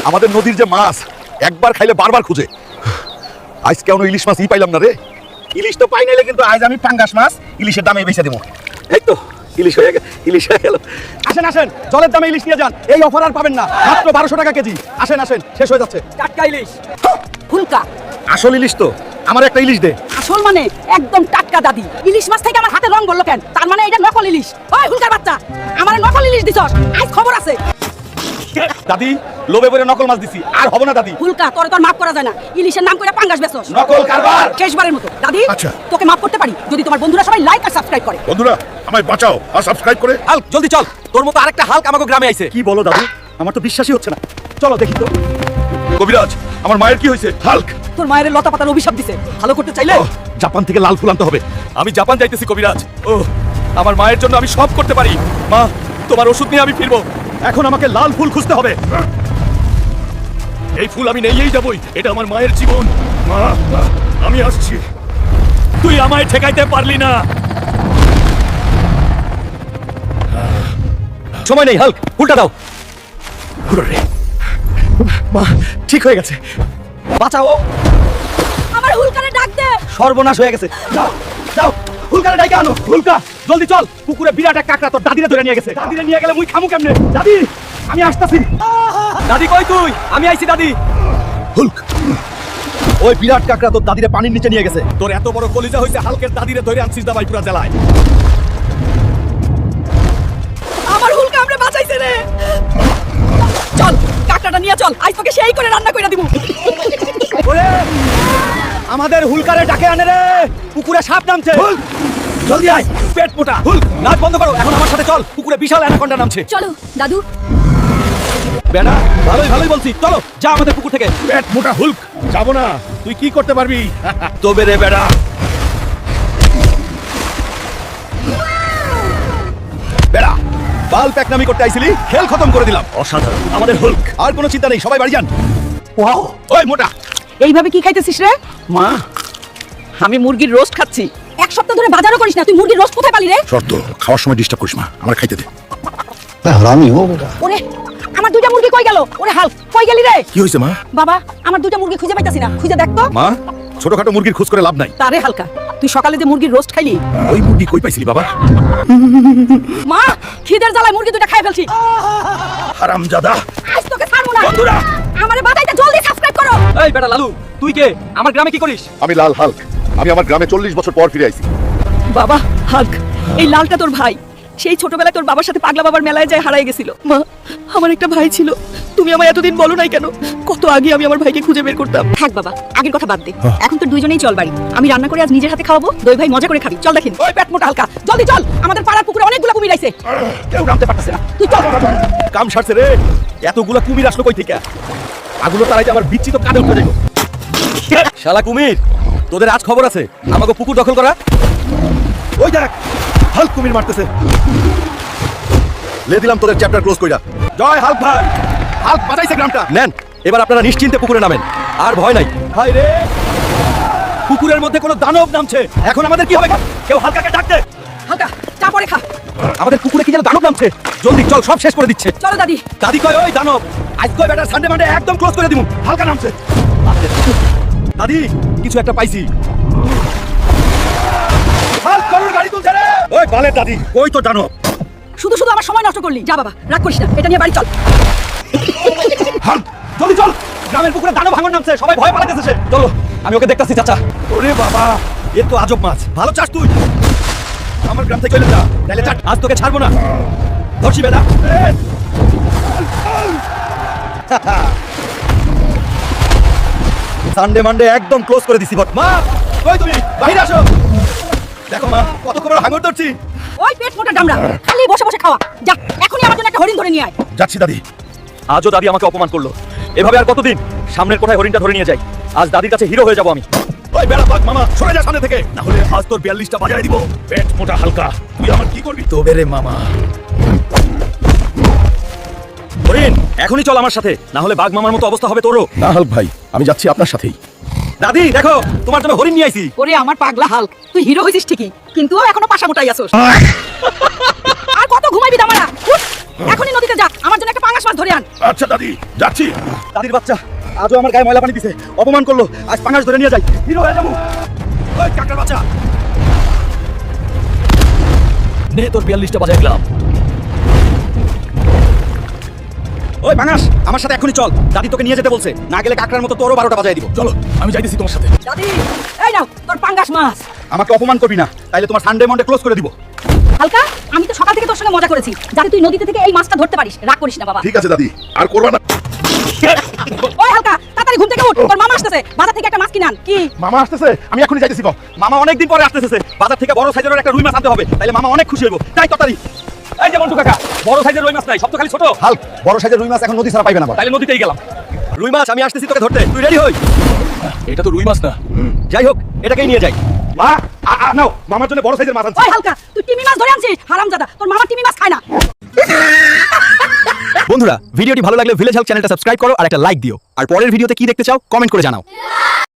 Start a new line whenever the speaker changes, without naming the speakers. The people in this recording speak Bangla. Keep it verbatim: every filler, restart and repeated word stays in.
আমাদের নদীর যে মাছ একবার খাইলে বারবার খুঁজে। আজ কেন ইলিশ মাছ ই পাইলাম না রে।
ইলিশ তো পাই নাইলে কিন্তু আজ আমি পাঙ্গাস মাছ ইলিশের দামে বেচে দেবো।
এই তো ইলিশ হয়ে গেল, ইলিশ হয়ে গেল।
আসেন আসেন, জলের দামে ইলিশ নিয়ে যান। এই অফার আর পাবেন না, মাত্র বারোশো টাকা কেজি। আসেন আসেন, শেষ হয়ে যাচ্ছে। টাটকা ইলিশ।
ফুলকা
আসল ইলিশ তো, আমার একটা ইলিশ দে।
আসল মানে একদম টাটকা দাদি। ইলিশ মাছ থেকে আমার হাতে রং বললো কেন? তার মানে এটা নকল ইলিশ। ওই ফুলকার বাচ্চা, আমার নকল ইলিশ দিছস, আজ খবর আছে।
দাদি লোভে পড়ে নকল মাছ দিছি, আর হবে না দাদি।
ফুলকা তোরে তোর মাফ করা যায় না, ইলিশের নাম করে পাঙ্গাস বেচছস।
নকল কারবার।
শেষবারের মতো দাদি,
আচ্ছা।
তোকে মাফ করতে পারি যদি তোমার বন্ধুরা সবাই লাইক আর সাবস্ক্রাইব করে।
বন্ধুরা আমায় বাঁচাও আর সাবস্ক্রাইব করে।
হাল্ক জলদি চল, তোর মতো আরেকটা হাল্ক আমাকে গ্রামে আইছে। কি বলো দাদু, আমার তো বিশ্বাসই হচ্ছে না। চলো দেখি তো।
কবিরাজ আমার মায়ের কি হয়েছে? হাল্ক
তোর মায়ের লতা পাতার অভিশাপ দিছে, ভালো করতে চাইলে
ওহ, জাপান থেকে লাল ফুল আনতে হবে।
আমি জাপান যাইতেছি কবিরাজ। ও আমার মায়ের জন্য আমি সব করতে পারি। মা তোমার ওষুধ নিয়ে আমি ফিরবো। এখন আমাকে লাল ফুল খুঁজতে হবে।
এই ফুল আমি নিয়েই যাবই, এটা আমার মায়ের জীবন। মা আমি আসছি।
তুই আমায় ঠেকাইতে পারলি না। সময় নেই হাল্ক, ফুলটা দাও। মা ঠিক হয়ে গেছে, বাঁচাও।
আমার হুলকারে ডাক দে।
সর্বনাশ হয়ে গেছে। যাও যাও, হুলকারে ডাইকে আনো। হুলকা জলদি চল, পুকুরে বিরাট এক কাকড়া তোর দাদিরে ধরে নিয়ে গেছে। দাদিরে নিয়ে গেলে মুই খামু কেমনে? দাদি আমি আসতাছি। দাদি কই তুই? আমি আইছি দাদি।
হুল্ক
ওই বিরাট কাকড়া তোর দাদিরে পানির নিচে নিয়ে গেছে। তোর এত বড় কলিজা হইছে, হালকের দাদিরে ধরে আনছিস দাবাইপুরা জেলায়।
আমার হুলকা আমরা বাঁচাইছে রে। চল কাকড়াটা নিয়ে চল, আজ তোকে সেই করে রান্না কইরা দিব।
ওরে আমাদের হুলকারে ডাকে আনে রে, পুকুরে সাপ নামছে। জলদি আয়, পেট মোটা। হুল্ক নাচ বন্ধ করো, এখন আমার সাথে চল, পুকুরে বিশাল অ্যানাকোন্ডা নামছে।
চলো দাদু।
বেটা ভালোই ভালোই বলছি, চলো যা আমাদের পুকুর থেকে।
পেট মোটা হুল্ক, যাবো না। তুই কি করতে পারবি?
তবে রে বেটা,
বেড়া বাল প্যাকনামি করতে আইছিলি, খেল খতম করে দিলাম।
অসাধারণ।
আমাদের হুল্ক আর কোনো চিন্তা নেই, সবাই বাড়ি যান।
ওয়াও
ওই মোটা
এইভাবে কি খাইতেছিস রে?
মা,
আমি মুরগির রোস্ট খাচ্ছি। এক সপ্তাহ ধরে বাজারও করিস না, তুই মুরগির রোস্ট কোথায় পালি রে?
শর্ত খাওয়ার সময় ডিস্টার্ব করিস না, আমার খাইতে দে।
ওরে আমার দুইটা মুরগি কই গেল? ওরে হাল কই গেলি রে?
কি হয়েছে মা?
বাবা আমার দুইটা মুরগি খুঁজে পাইতাছি না, খুঁজে দেখ তো।
মা ছোটখাটো মুরগির খোঁজ করে লাভ নাই।
তারে হালকা, তুই সকালে যে মুরগির রোস্ট খাইলি,
ওই মুরগি কই পাইছিলি বাবা?
মা খিদের জ্বালায় মুরগি দুইটা খাই ফেলছি।
হারামজাদা।
আজ তোকে ছাড়বো না।
বন্ধুরা
আমারে বাদাইতে জলদি সাবস্ক্রাইব করো।
এই বেটা লালু, তুই কে? আমার গ্রামে কি করিস?
আমি লাল হাল্ক, আমি আমার গ্রামে চল্লিশ বছর পর ফিরে আইছি।
বাবা হাল্ক, এই লালটা তোর ভাই। সেই ছোটবেলায় তোর বাবার সাথে পাগলা বাবার মেলায় যায় হারায় গেছিল। মা আমার একটা ভাই ছিল, তুমি আমায় এতদিন বলো নাই কেন? কত আগে আমি আমার ভাইকে খুঁজে বের করতাম। থাক বাবা, আগের কথা বাদ দে। এখন তো দুইজনেই চল বাড়ি, আমি রান্না করে আজ নিজের হাতে খাওয়াবো, দই ভাই মজা করে খাবি। চল দেখিন। ওই পেট মোটা হালকা, জলদি চল, আমাদের পাড়ার পুকুরে অনেকগুলো কুমির আইছে।
কেউ নামতে পারতেছে না।
তুই চল।
কাম সারছে রে, এতগুলা কুমির আসলো কই থেকে? আগুলো তারাইতে আমার বিচ্ছি তো কাঁধে উঠে যাইব। শালা কুমির, তোদের আজ খবর আছে, আমাকে পুকুর দখল করা।
ওই দেখ হাল্ক কুমির মারতেছে। লে দিলাম তোদের চ্যাপ্টার ক্লোজ কইরা।
জয় হাল্ক ভাই,
হাল্ক বাঁচাইছে গ্রামটা।
নেন এবার আপনারা নিশ্চিন্তে পুকুরে নামেন, আর ভয় নাই। হাই রে, পুকুরের মধ্যে কোনো দানব নামছে। এখন আমাদের কি হবে? কেউ হালকাকে ডাক দে।
হালকা চা পরে খা।
আমাদের পুকুরে কি যেন দানব নামছে। জলদি চল, সব শেষ করে দিচ্ছে।
চলো দাদি।
দাদি কয় ওই দানব আজ কয় বেটা সানডে মানডে একদম ক্লোজ করে দিমু। হালকা নামছে। দাদি কিছু একটা পাইছি। হাল্ক গরুর গাড়ি তুলছে রে। ওই বালের দাদি, ওই তো দানব।
শুধু শুধু আমার সময় নষ্ট করলি। যা বাবা, রাগ করিস না, এটা নিয়ে বাড়ি চল।
হাল্ক জলদি চল, গ্রামের পুকুরে দানব ভাঙন নামছে, সবাই ভয় পালাইতেছে। চলো আমি ওকে দেখতাছি। চাচা ওরে বাবা, এ তো আজব মাছ। ভালো চাস তুই, আমার গ্রাম থেকে চলে যা, তাহলে চাট। আজ তোকে ছাড়বো না। ধরছি বেদা। সানডে মানডে একদম ক্লোজ করে দিছি। বট মা কই তুমি? বাইরে আসো। দেখো মা কত বড় হাঙর ধরছি।
ওই পেট মোটা ডামরা, খালি বসে বসে খাওয়া। যা এখনই আমার জন্য একটা হরিণ ধরে নিয়ে আয়।
যাচ্ছি দাদি।
আজও দাদি আমাকে অপমান করলো। এভাবে আর কতদিন? সামনের কোঠায় হরিণটা ধরে নিয়ে যাই। আজ দাদির কাছে হিরো হয়ে যাবো আমি।
ওই বেড়া পাক মামা সরে যা সামনে থেকে, না হলে আজ তোর বিয়াল্লিশটা বাজায় দিব।
পেট মোটা হালকা, তুই আমার কি করবি?
তবে রে মামা। হরিণ এখনই চল আমার সাথে, না হলে বাঘ মামার মতো অবস্থা হবে তোরও।
না হাল্ক ভাই, আমি যাচ্ছি আপনার সাথেই।
দাদি দেখো, তোমার জন্য হরিণ নিয়ে আইছি।
ওরে আমার পাগলা হাল্ক, তুই হিরো হইছিস ঠিকই, কিন্তু এখনো পাশা মোটাই আছস। আর কত ঘুমাইবি দামারা? উঠ। এখনই নদীতে যা আমার জন্য একটা পাঙ্গাস মাছ ধরে আন
আচ্ছা দাদি যাচ্ছি।
দাদির বাচ্চা আজও আমার গায়ে ময়লা পানি দিছে, অপমান করলো, আজ পাঙ্গাস ধরে নিয়ে যাই, হিরো হয়ে যাবো। ওই কাকড়ার বাচ্চা, নে তোর বিয়াল্লিশটা বাজায় গেলাম। ওই পাঙ্গাস আমার সাথে এখনই চল, দাদি তোকে নিয়ে যেতে বলছে, না গেলে কাকড়ার মতো তোরও বারোটা বাজায় দিব।
চলো আমি যাইতেছি তোমার সাথে।
দাদি এই নাও তোর পাঙ্গাস মাছ।
আমাকে অপমান করবি না, তাইলে তোমার সানডে মন্ডে ক্লোজ করে দিব।
হালকা আমি তো সকাল থেকে তোর সঙ্গে মজা করেছি, যাতে তুই নদীতে থেকে এই মাছটা ধরতে পারিস, রাগ করিস না বাবা।
ঠিক আছে দাদি, আর করবা না।
ওই হালকা তাড়াতাড়ি ঘুম থেকে উঠ, তোর মামা আসতেছে, বাজার থেকে একটা মাছ কিনে আন। কি
মামা আসতেছে, আমি এখনই যাইতেছি গো।
মামা অনেকদিন পরে আসতেছে, বাজার থেকে বড় সাইজের একটা রুই মাছ আনতে হবে, তাইলে মামা অনেক খুশি হইব। তাই তাড়াতাড়ি। এই যে মন্টু কাকা, বড় সাইজের রুই মাছ নাই, সব তো খালি ছোট।
হাল্ক, বড় সাইজের রুই মাছ এখন নদী ছাড়া পাইবে না আবার।
তাইলে নদীতেই গেলাম। রুই মাছ আমি আসতেছি তোকে ধরতে, তুই রেডি হই।
এটা তো রুই মাছ না।
যাই হোক এটাকেই নিয়ে যাই।
মা আ- আ- নাও, মামার জন্য বড় সাইজের মাছ আনছি।
ওই হালকা তুই টিমি মাছ ধরে আনছিস, হারামজাদা, তোর মামা টিমি মাছ খায় না।
বন্ধুরা ভিডিওটি ভালো লাগলে ভিলেজ হেল্প চ্যানেলটা সাবস্ক্রাইব করো আর একটা লাইক দিও, আর পরের ভিডিওতে কি দেখতে চাও কমেন্ট করে জানাও।